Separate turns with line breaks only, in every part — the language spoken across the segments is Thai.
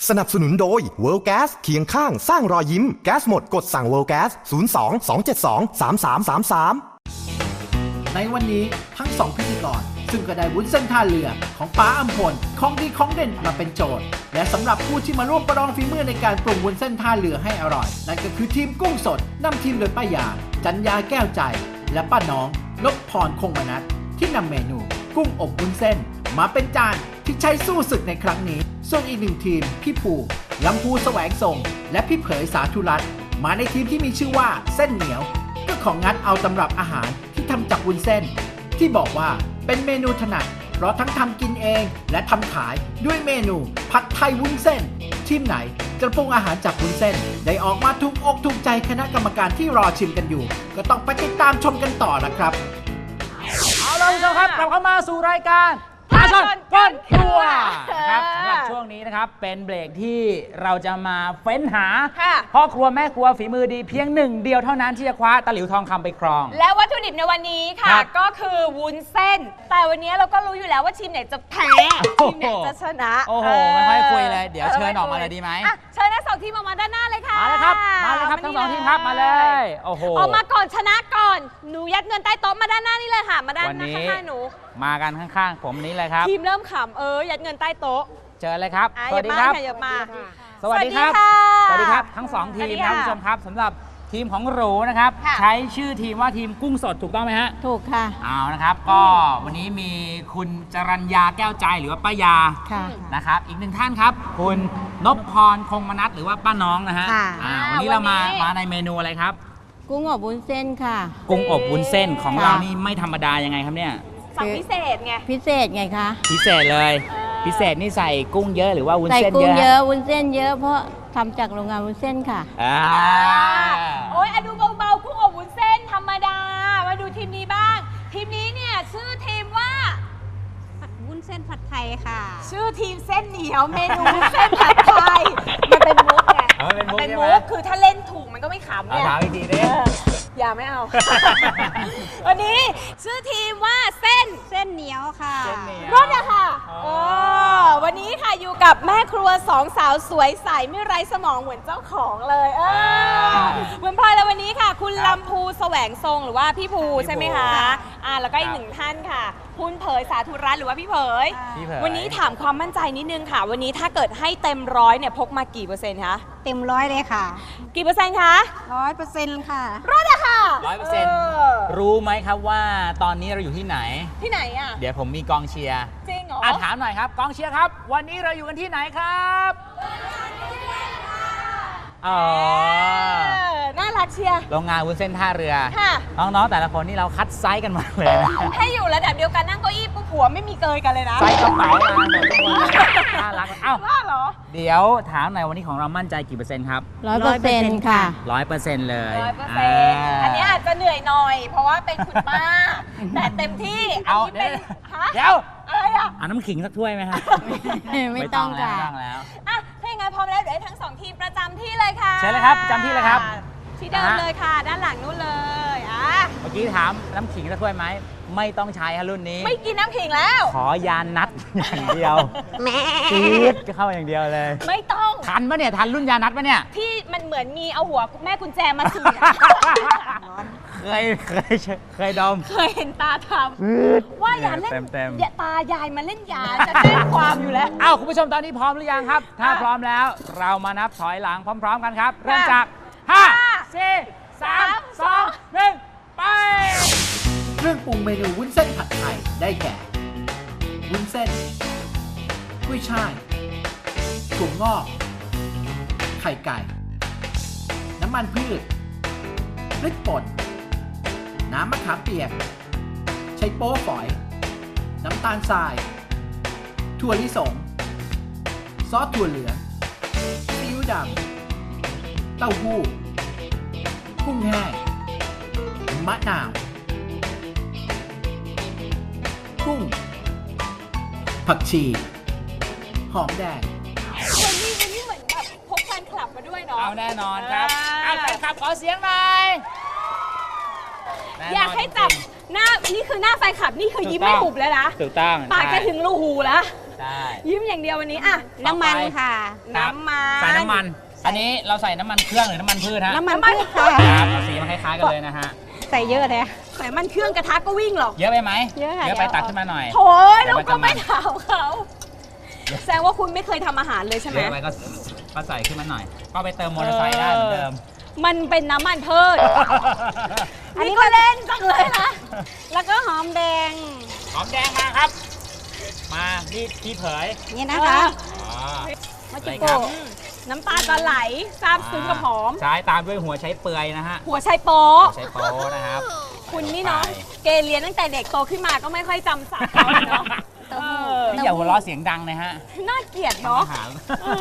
สนับสนุนโดย World Gas เคียงข้างสร้างรอยยิ้มแก๊สหมดกดสั่ง World Gas 02 272 3333
ในวันนี้ทั้งสองพิธีกรซึ่งก็ได้วุ้นเส้นท่าเรือของป้าอำพลของดีของเด่นมาเป็นโจทย์และสำหรับผู้ที่มาร่วมประลองฝีมือในการปรุงวุ้นเส้นท่าเรือให้อร่อยนั่นก็คือทีมกุ้งสดนำทีมโดยป้ายาจันยาแก้วใจและป้าน้องนพพรคงมนัสที่นำเมนูกุ้งอบวุ้นเส้นมาเป็นจานที่ใช้สู้ศึกในครั้งนี้ส่วนอีกหนึ่งทีมพี่ภูลำพูแสวงทรงและพี่เผยสาธุรัตน์มาในทีมที่มีชื่อว่าเส้นเหนียวก็ของงัดเอาตำรับอาหารที่ทำจากวุ้นเส้นที่บอกว่าเป็นเมนูถนัดเพราะทั้งทำกินเองและทำขายด้วยเมนูผัดไทยวุ้นเส้นทีมไหนจะปรุงอาหารจากวุ้นเส้นได้ออกมาถูกอกถูกใจคณะกรรมการที่รอชิมกันอยู่ก็ต้องไปติดตามชมกันต่อนะครับ
เอาล่ะคุณผู้ชมครับกลับเข้ามาสู่รายการท้าชนก้นครัวนะครับสำหรับช่วงนี้นะครับเป็นเบรกที่เราจะมาเฟ้นหาพ่อครัวแม่ครัวฝีมือดีเพียงหนึ่งเดียวเท่านั้นที่จะคว้าตะหลิวทองคำไปครอง
และวัตถุดิบในวันนี้ค่ะก็คือวุ้นเส้นแต่วันนี้เราก็รู้อยู่แล้วว่าทีมไหนจะแพ้ทีมไหนจะชนะ
โอ้โหไม่ค่อยคุยเลยเดี๋ยวเชิญออกมาเลยดีไหม
เชิญทั้งสองทีมออกมาด้านหน้าเลยค่ะ
มาเลยครับทั้งสองทีมครับมาเลยโอ้โห
ออกมาก่อนชนะก่อนหนูยัดเงินใต้โต๊ะมาด้านหน้านี่เลยค่ะมาด้านหน้าข้างๆหนู
มากันข้างๆผมนี้เลยครับ
ทีมเริ่มขำยัดเงินใต้โต๊ะ
เจอเลยครับ
สวัสดีครับ
สวัสดีครับสวัสดีครับทั้งสองทีมครับคุณผู้ชมครับสำหรับทีมของหรูนะครับใช้ชื่อทีมว่าทีมกุ้งสดถูกต้องไหมฮะ
ถูกค่ะ
เอานะครับก็วันนี้มีคุณจรัญญาแก้วใจหรือว่าป้ายานะครับอีกหนึ่งท่านครับคุณนพพรคงมนัสหรือว่าป้าน้องนะฮะวันนี้เรามาในเมนูอะไรครับ
กุ้งอบวุ้นเส้นค่ะ
กุ้งอบวุ้นเส้นของเรานี่ไม่ธรรมดายังไงครับเนี่ย
สั่งพิเศษไง
พิเศษไงคะ
พิเศษเลยพิเศษนี่ใส่กุ้งเยอะหรือว่าวุ้นเส้นเยอะ
ใส่กุ้งเยอะวุ้นเส้นเยอะเพราะทำจากโรงงานวุ้นเส้นค่ะ
โอ้ยดูเบาๆกุ้งอบวุ้นเส้นธรรมดามาดูทีมนี้บ้างทีมนี้เนี่ยชื่อทีมว่า
วุ้นเส้นผัดไทยค่ะ
ชื่อทีมเส้นเหนียวเมนูวุ้นเส้นผัดไทยมันเป็นมุกไงเป็นมุกคือถ้าเล่นถูกมันก็ไม่ขำเนี่ย
ถามอีกทีดิ
อย่าไม่เอาวันนี้ชื่อทีมว่าเส้น
เหนียวค่ะ
รอดอะค่ะวันนี้ค่ะอยู่กับแม่ครัวสองสาวสวยใสไม่ไร้สมองเหมือนเจ้าของเลยเหมือนพลอยแล้ววันนี้ค่ะคุณลำพูแสวงทรงหรือว่าพี่ภูใช่ไหมคะแล้วก็อีกหนึ่งท่านค่ะคุณเผยสาธุรัตน์หรือว่าพี่เผยวันนี้ถามความมั่นใจนิดนึงค่ะวันนี้ถ้าเกิดให้เต็มร้อยเนี่ยพกมากี่เปอร์เซ็นต์คะ
เต็มร้อยเลยค่ะ
กี่เปอร์เซ็นต์คะ
100%ค่ะ
รอดอะค่ะ
100%รู้ไหมครับว่าตอนนี้เราอยู่ที่ไหน
อะ
เดี๋ยวผมมีกองเชียร์
จริงเหรอ
ถามหน่อยครับกองเชียร์ครับวันนี้เราอยู่กันที่ไหนครับ
น่ารักเชียร์
โรงงานวุ้นเส้นท่าเรือน้องๆแต่ละคนนี่เราคัดไซส์กันมาเลยนะ
ให้อยู่ระดับเดียวกันนั่งเก้าอี้ปุ๊บหัวไม่มีเกยกันเลยนะ
ไซส์กระเป๋ามาหมดทุกคนน่ารัก
ว่าเหรอ
เดี๋ยวถามหน่อยวันนี้ของเรามั่นใจกี่เปอร์เซ็นต์ครับ
100%ค่ะ
100%เลย
100%อันนี้อาจจะเหนื่อยหน่อยเพราะว่าเป็นคุณป้าแต่เต็มที่
เดี๋ยว
อะไรอ่ะ
น้ำขิงสักถ้วยไหมครับ
ไม่ต้องค่ะ
แล้ว
ถ้าอย่างนั้นพร้อมแล้วเดี๋ยวให้ทั้งสองทีมประจำที่เลยค่ะ
ใช่เลยครับประจำที่เลยครับ
ที่เดิมเลยค่ะด้านหลังนู้นเลย
เมื่อกี้ถามน้ำขิงสักถ้วยไหมไม่ต้องใช้ฮะรุ่นนี้
ไม่กินน้ำขิงแล้ว
ขอยานัดอย่างเดียวจี๊ดก็เข้าอย่างเดียวเลย
ไม่ต้อง
ทันปะเนี่ยทันรุ่นยานัดปะเนี่ย
ที่มันเหมือนมีเอาหัวแม่กุญแจมาถือ
เคยดม
เคยเห็นตาทำว่าอย่าเล่นตายายมาเล่นยาจะแจ้งความอยู่แล้ว
คุณผู้ชมตอนนี้พร้อมหรือยังครับถ้าพร้อมแล้วเรามานับถอยหลังพร้อมๆกันครับเริ่มจาก5 4 3 2 1ไป
เครื่องปรุงเมนูวุ้นเส้นผัดไทยได้แก่วุ้นเส้นกุ้ยช่ายถั่วงอกไข่ไก่น้ำมันพืชพริกป่นน้ำมะขามเปียกไชโป๊ฝอยน้ำตาลทรายถั่วลิสงซอสถั่วเหลืองซีอิ๊วดำเต้าหู้กุ้งแห้งมะนาวกุ้งผักชีหอมแดง
วันนี้เหมือนแบบพกแฟนคลับมาด้วยเนาะ
แน่นอนครับแฟนคลับขอเสียงหน่อย
อยากให้จับหน้านี่คือหน้าแฟนคลับนี่คือยิ้มไม่หุบแล้วนะ
ถูกต้อง
ปากจะถึงรูหูแล้ว
ได้
ยิ้มอย่างเดียววันนี้อ่ะ
น้ำมันค่ะ
ครับ
น้ำมัน
ใส่น้ำมัน อันนี้เราใส่น้ำมันเครื่องหรือน้ำมันพืชฮะ
น้ำมันพืชค่ะ
ครับสีมันคล้ายๆกันเลยนะฮะ
ใส่เยอะเลย
ใส่มันเครื่องกระทะก็วิ่งหรอก
เยอะไปไหม
เยอะค่ะ
เยอะไป
เดี๋ยว
ตักขึ้นมาหน่อย
โถย
เดี๋ยว
เรา
มัน
ก็
จะ
ไม่
มัน
ถามเขาแสดงว่าคุณไม่เคยทำอาหารเลยใช่ไหม
เยอะไปก็ใส่ขึ้นมาหน่อย ก็ไปเติมมอเตอร์ไซค์ได้เหมือนเดิม
มันเป็นน้ำมันพืชอันนี้ก็เล่นจังเลยนะ
แล้วก็หอมแดง
หอมแดงมาครับ มาพี่เผย
นี่นะคะ
อ๋อ
มา
อะไร
จิ
ค
โก
รับ
น้ำตาจะไหลซาบซึ้งกับหอม
ใช้ตามด้วยหัวใช้เปลือยนะฮะ
หัวไชโป๊ะ
หัวใช้โป๊นะครับ
คุณนี่เนาะ
ไป
เกเรียนตั้งแต่เด็กโตขึ้นมาก็ไม่ค่อยจำศัพท์เขาเนาะ
เต้าหู้
พี่อย่าหัวเราะเสียงดังนะฮะ
น่าเกลียดเนาะ
อาหาร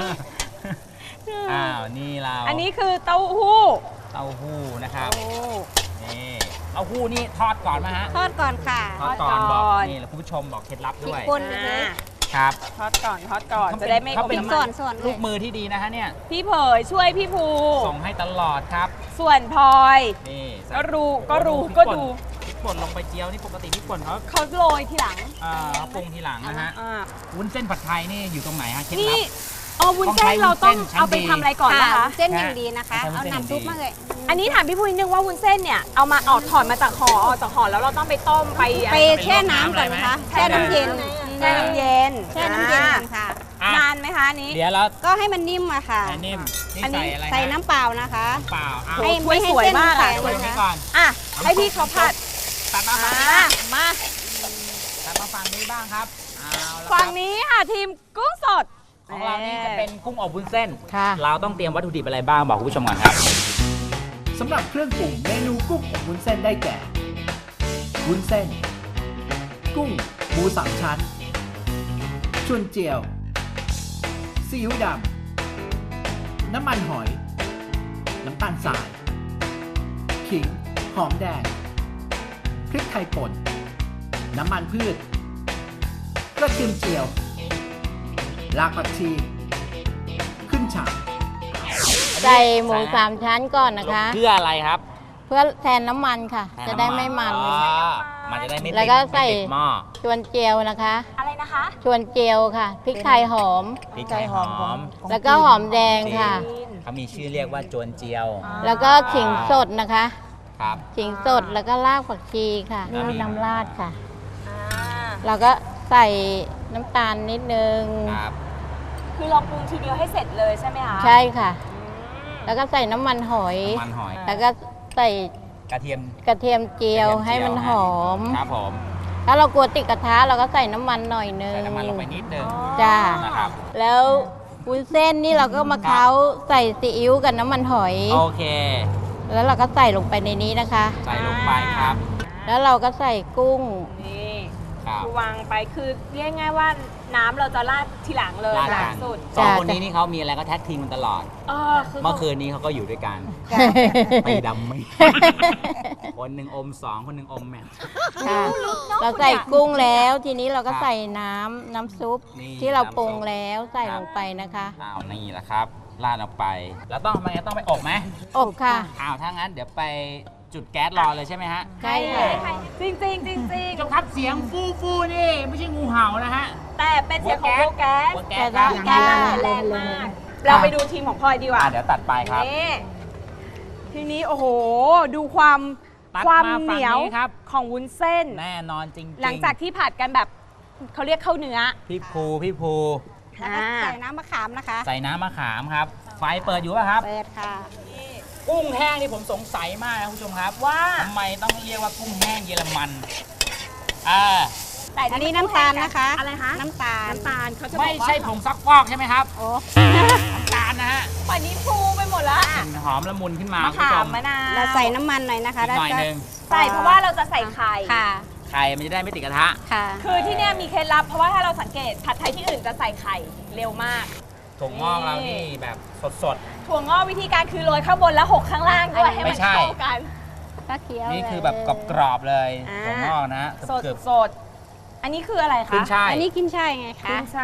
อ้าว นี่เรา
อันนี้คือเต้าหู้
เต้าหู้นะครับ นี่เต้าหู้นี่ทอดก่อนไหมฮะ
ทอดก่อนค่ะ
ทอดก่อน
ทอดก่
บ
อ
อก
น
นี่แล้วคุณผู้ชมบอกเคล็ดลับ
พริ
ด้
ก
วย
ป่น
อ่า
ครับ
ทอดก่อนจะได้ไม่
เขา
อ
เป็น
ม
ส่
มั
วน นส่วนเล
ลู
ย
กมือที่ดีนะฮะเนี่ย
พี่เผยช่วยพี่ภู
ส่งให้ตลอดครับ
ส่วนพลอย
นี่
ก็รู้
โอ้โห
ก็รู้
พริ
ก็
ป่น
ดู
พริกป่นลงไปเจียวนี่ปกติพริกป่นเขา
เขาโรยทีหลัง
ปรุงทีหลังนะฮะ
อ่า
วุ้นเส้นผัดไทยนี่อยู่ตรงไหนฮะเคล็ด
นี่
ลับ
อ๋อวุ้นเส้นเราต้อง
ต้องใช้วุ้นเส้นชั้น
เอาไปทำอะไรก่อน
ค่ะ
นะคะ
เส้นอย่างดีนะคะ
ใช้วุ้
เอา
นเส้นอย่างดี
น้ำซุปมาเลย
อันนี้ถามพี่ภูนิดนึงว่าวุ้นเส้นเนี่ยเอามาออกถอดมาจากห่อออกจากห่อแล้วเราต้องไปต้มไป
ไปแช่น้ำก่อนนะคะ แช่น้ำเย็น
แช่น้ำเย็น
แช่น้ำเย็นก่อนค่ะ
อ่ะ
นานไหมคะอันนี้
เดี๋ยวเรา
ก็ให้มันนิ่มอะค่ะ
ใส่นิ่มนี่
อันนี้
ใส่อะไรฮะ
ใส่น้ำเปล่านะคะ
เปล่าเอา
โอ้
ให้
ถ้วย
ไม่ให้
สวย
เส้น
มากอะ
แข็ง
ไว้ตรงนี้
นะ
ก่
คะ
อน
อ่ะให้พี่เขาผัด
ตัดมา
อ่
ฝั่งนี้
ามา
ตัดมาฝั่งนี้บ้างครับเอาละครับ
ฝั่งนี้ค่ะทีมกุ้งสด
ของเรานี่จะเป็นกุ้งอบวุ้นเส้น
ค่ะ
เราต้องเตรียมวัตถุดิบอะไรบ้างบอกคุณผู้ชมก่อนครับ
สำหรับเครื่องปรุงเมนูกุ้งอบวุ้นเส้นได้แก่ วุ้นเส้น กุ้งหมูสามชั้นชวนเจียว ซีอิ๊วดำ น้ำมันหอย น้ำตาลทราย ขิง หอมแดง พริกไทยป่น น้ำมันพืช กระเทียมเจียว รากผักชี ขึ้นฉ่าย
ใส่หมูสามชั้นก่อนนะคะ
เพื่ออะไรครับ
เพื่อแทนน้ำมันค่ะ จะได้ไม่มัน
อ๋อมันจะได้ไม่ติด
แล้วก็ใส่
ไม่ติดหม้อ
ชวนเจียวนะคะ
อะไรนะคะ
ชวนเจียวค่ะ พริกไทยหอม
พริกไทยหอม
แล้วก็หอมแดงค่ะ
เขามีชื่อเรียกว่าจวนเจียว
แล้วก็ขิงสดนะคะ
ครับ
ขิงสดแล้วก็รากผักชีค่ะ
อ่า
นี่น้ำราดค่ะ
อ่า
แล้วก็ใส่น้ำตาลนิดนึง
ครับ
คือเราปรุงทีเดียวให้เสร็จเลยใช่ไหมคะ
ใช่ค่ะ
อืม
แล้วก็ใส่น้ำมันหอย
น้ำมันหอย
แล้วก็ใส่
กระเทียม
กระเทียมเจียวให้มันหอม
ครับผม
ถ้าเรากลัวติดกระทะเราก็ใส่น้ำมันหน่อยนึง
ใส่น้ำมันลงไปนิดนึง
จ้า
นะครับ
แล้ววุ้นเส้นนี่เราก็มาเค้าใส่ซีอิ๊วกับน้ำมันหอย
โอเค
แล้วเราก็ใส่ลงไปในนี้นะคะ
ใส่ลงไปครับ
แล้วเราก็ใส่กุ้ง
นี่
ครับ
คือวางไปคือเรียกง่ายว่าน้ำเราจะราดทีหลังเลย
ราด
หลั
กั
ง
น
สุด
สองคนนี้นี่เขามีอะไรก็แท็กทีมกันตลอด
คือ
เมื่อคืนนี้เขาก็อยู่ด้วยกันไปดำไม่ คนหนึ่งอมสองคนหนึ่งอมแมท
ค่ะ เราใส่กุ้งแล้วทีนี้เราก็ใส่น้ำซุป
นี่
ที่เรา
น้ำซุป
ปรุงแล้วใส่
ครับ
ลงไปนะคะ
อ้าวนี่แหละครับราดลงไป แล้วต้องทำไมต้องไปอบไหม
อบค่ะ
อ้าวถ้างั้นเดี๋ยวไปจุดแก๊สรอเลยใช่ไหมฮะ
ใช่ค่ะ
จริงจริงๆจริง
ผู้ชมครับเสียงฟูฟูนี่ไม่ใช่งูเห่านะฮะ
ๆแต่เป็นเสียงของโบแก๊ส
หัวแก๊สครับ
แต่
แก๊
ว่า
สแรงมาก เราไปดูทีมของพลอยดีกว่า
เดี๋ยวตัดไปครับ
นี่ทีนี้โอ้โห ดูความ
ตัด
ความ
มา
เห
ฝั่ง
นียว
นี้ครับ
ของวุ้นเส้น
แน่นอนจริงๆ
หลังจากที่ผัดกันแบบเขาเรียกข้าวเนื้อ
พี่ภู
แล้วก็ใส่น้ำมะขามนะคะ
ใส่น้ำมะขามครับ ไฟเปิดอยู่ป่ะครับ
เปิดค่ะ
กุ้งแห้งนี่ผมสงสัยมากนะคุณผู้ชมครับว่าทำไมต้องเรียกว่ากุ้งแห้งเยอรมัน
แต่
อันนี้น้ำตาลนะคะ
อะไรคะ
น้ำตาล
น้ำตาลเขาจะบอก
ไม่
ว่า
ใช่ผงซักฟอกใช่ไหมครับ
โอ้
น้ำตาลนะฮะ
ป่านนี้ฟูไปหมดแล้ว
กลิ่นหอมละมุนขึ้นมาม
ะ
คุณผู้
ขา
ช
ม
ม
มะนาว
เราใส่น้ำมันหน่อยนะคะ
อีกหน่อยหนึง
ใส่เพราะว่าเราจะใส่ไข่
ค่ะ
ไข่มันจะได้ไม่ติดกระทะ
ค่ะ
คือที่เนี่ยมีเคล็ดลับเพราะว่าถ้าเราสังเกตผัดไทยที่อื่นจะใส่ไข่เร็วมาก
ถั่วงอกเรานี่แบบสด
ถั่วงอกวิธีการคือโรยข้างบนแล้วหกข้างล่างด้วยให้
ไม่
มัน
ใช่
เข้ากัน
ก็เคี้ยว
ๆ นี่
เลย
คือแบบกรอบๆเลย
อ่า
ถั่วงอกนะฮะ
สด
เกือบ
สดอันนี้คืออะไร
ๆ
คะ
ขึ้นช่าย
อันนี้กินช่ายไงคะ
ขึ้นช่าย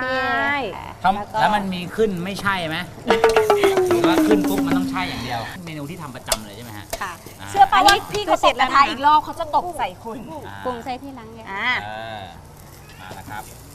ค่ะ
แล้วมันมีขึ้นไม่ใช่ไหมหรือว่าขึ้นปุ๊บมันต้องใช่อย่างเดียว เมนูที่ทำประจำเลยใช่ไหมฮะ
ค่ะ
เชื่อป่ะ
อันนี้
ว่าพี่
คื
เขา
อ
เส
เสร็
ร็จ
จแล้
แล้ว
วนะ
อีกรอบเขาจะตบใส่คุณ
อ่า
ปรุงใส่ที่หลังเนี่ย
อ่า
มาแล้วครับ
พ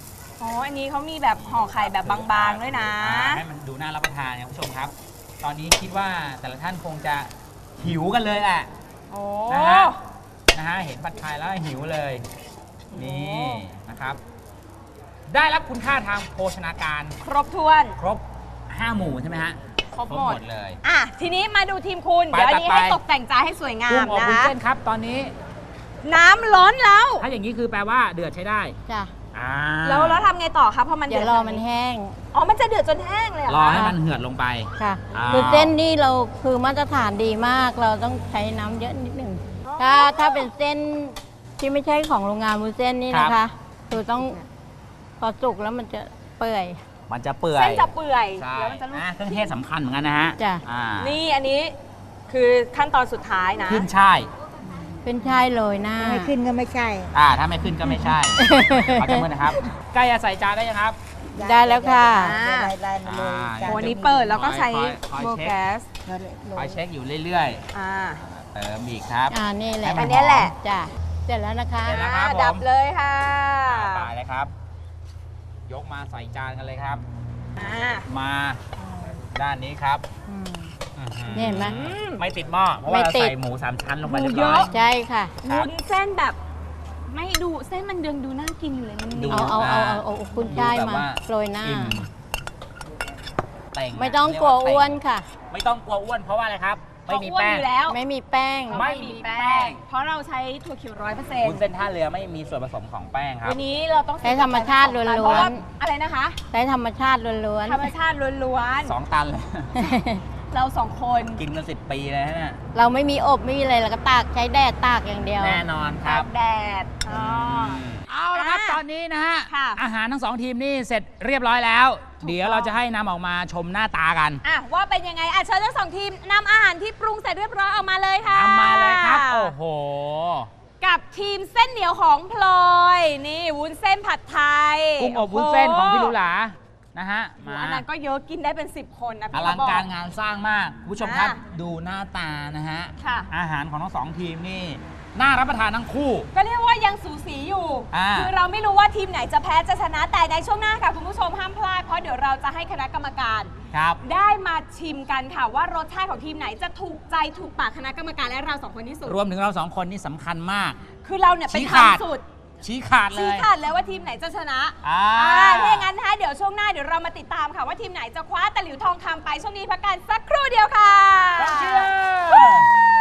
อ๋ออันนี้เขามีแบบห่อไข่แบบบางๆด้วยนะ
ให้มันดูน่ารับประทานเนี่ยคุณผู้ชมครับ ตอนนี้คิดว่าแต่ละท่านคงจะหิวกันเลยแหละ
โอ้
นะฮะเห็นผัดไทยแล้วหิวเลยนี่นะครับ ได้รับคุณค่าทางโภชนาการ
ครบถ้วน
ครบ 5 หมู่ใช่ไหมฮะ
ครบหมด
เลย
อ่ะทีนี้มาดูทีมคุณ
ไป
เดี๋ยวอันนี้
ไป
ให้ตกแต่งจานให้สวยงา
กุ้
ม
งอบ
นะ
วุ้น
คะ
เส้นครับ ตอนนี้
น้ำร้อนแล้ว
ถ้าอย่างนี้คือแปลว่าเดือดใช้ได้
จ้ะ
อ่า
แล้วทำไงต่อคะพอมัน
เดี๋ยวรอมันแห้ง
อ๋อมันจะเดือดจนแห้งเลยเหรอ
รอ
คะ
ให้มันเหือดลงไป
ค่ะ
อ้าว
คือเส้นนี่เราคือมาตรฐานดีมาก เราต้องใช้น้ำเยอะนิดหนึ่งถ้าเป็นเส้นที่ไม่ใช่ของโรงงานวุ้นเส้นนี่นะคะ คือต้องพอสุกแล้วมันจะเปื่อย
มันจะเปื่อย
เส้นจะเปื่อย
ใช่
แล้วมันจะลูก
เครื่องเทศสำคัญเหมือนกันนะฮะ
จ้ะ
อ่า
นี่อันนี้คือขั้นตอนสุดท้ายนะ
ขึ้นช่าย
เป็นชายโรยหน้า
ไม่ขึ้นก็ไม่ใช่
ถ้าไม่ขึ้นก็ไม่ใช่ ขอจำมือนะครับใกล้จะใส่จานได้ยังครับ
ได้แล้วค่ะ
ลายมาเลย
อ่า
โอ้อันนี้เปิดแล้วก็ใช้
คอย
โบ
เช็ค
แก๊ส
คอยเช็คอยู่เรื่อย
อ่า
ๆ เติมอีกครับ
นี่แหละ
ให้มั
อันนี้แหละ
จ้ะเสร็จแล้วนะคะ
เสร็จแล้วครับผม
ดับเลยค่ะ
ไปเลยครับ ยกมาใส่จานกันเลยครับ
อ่า
มาด้านนี้ครับ
อืม
อื้อหือ
นี่เห็นไหม
ไม่ติดหม้อเพราะว่า
ไม่
เรา
ติด
ใส่หมู3 ชั้นลงไป
หมู
เรียบร้อย
เยอะ
ใช่ค่ะ
ครับ
วุ้นเส้นแบบ ไม่ดูเส้นมันยังดูน่ากินอยู่เลยมัน
ดู
นิ่ม
เอาคุณชาย
ดูแบบ
มา
ว่า
โรยหน้า
อิ่มเต่ง
ไม่ต้องกลัวอ้วนค่ะ
ไม่ต้องกลัวอ้วนเพราะว่าอะไรครับ ไม่มี
เพราะอ้วน
แป้ง
อยู่แล้ว
ไม่มีแป้ง
ไม่มีแป้ง
เพราะเราใช้ถั่วเขียว100%
วุ้นเส้นท่าเรือไม่มีส่วนผสมของแป้งครับ
วันนี้เราต้อง
ใช้ธรรมชาติล้วนๆ
เพราะว่าอะไรนะคะ
ใช้ธรรมชาติล้วน
ธรรมชาติล้วน
2 ตันเลย
ๆ เราสองคน
กินกัน10 ปีเลยฮะเนี่ย
เราไม่มีอบไม่มีอะไรเราก็ตากใช้แดดตากอย่างเดียว
แน่นอนค
ตา
รับ
กแดดอ๋อ
เอาละครับ
อ่ะ
ตอนนี้นะฮะ
ค่ะ
อาหารทั้ง 2 ทีมนี่เสร็จเรียบร้อยแล้ว เดี๋ยวเราจะให้นำออกมาชมหน้าตากัน
อ่ะว่าเป็นยังไงอ่ะเชิญทั้งสองทีมนำอาหารที่ปรุงเสร็จเรียบร้อยออกมาเลยค่ะ
ทำมาเลยครับ โอ้โห
กับทีมเส้นเหนียวของพลอย นี่วุ้นเส้นผัดไทย
กุ้งอบวุ้นเส้นของพี่ลุลานะฮะ
โอ้โห
มา
อันนั้นก็เยอะกินได้เป็น 10 คนนะ
อ
พี่
ลังการ
บ
งานสร้างมากคุณผู้ชมครับ
อ่ะ
ดูหน้าตานะฮะ
ค่ะ
อาหารของทั้ง 2 ทีมนี่น่ารับประทานทั้งคู่
ก็เรียกว่ายังสูสีอยู่
อ่า
คือเราไม่รู้ว่าทีมไหนจะแพ้จะชนะแต่ในช่วงหน้าค่ะคุณผู้ชมห้ามพลาดเพราะเดี๋ยวเราจะให้คณะกรรมการ
ครับ
ได้มาชิมกันค่ะว่ารสชาติของทีมไหนจะถูกใจถูกปากคณะกรรมการและเราสองคนที่สุด
รวมถึงเรา 2 คนนี่สำคัญมาก
คือเราเนี่ยเป็น
ชี้ขาด
ทำสุด
ชี้ขาดเล
ชี้
ย
ขาดเลยว่าทีมไหนจะชนะ
อ่า
ถ้าอย่างนั้นนะคะเดี๋ยวช่วงหน้าเดี๋ยวเรามาติดตามค่ะว่าทีมไหนจะคว้าตะหลิวทองคำไปช่วงนี้พักกันสักครู่เดียวค่ะ
กองเชียร์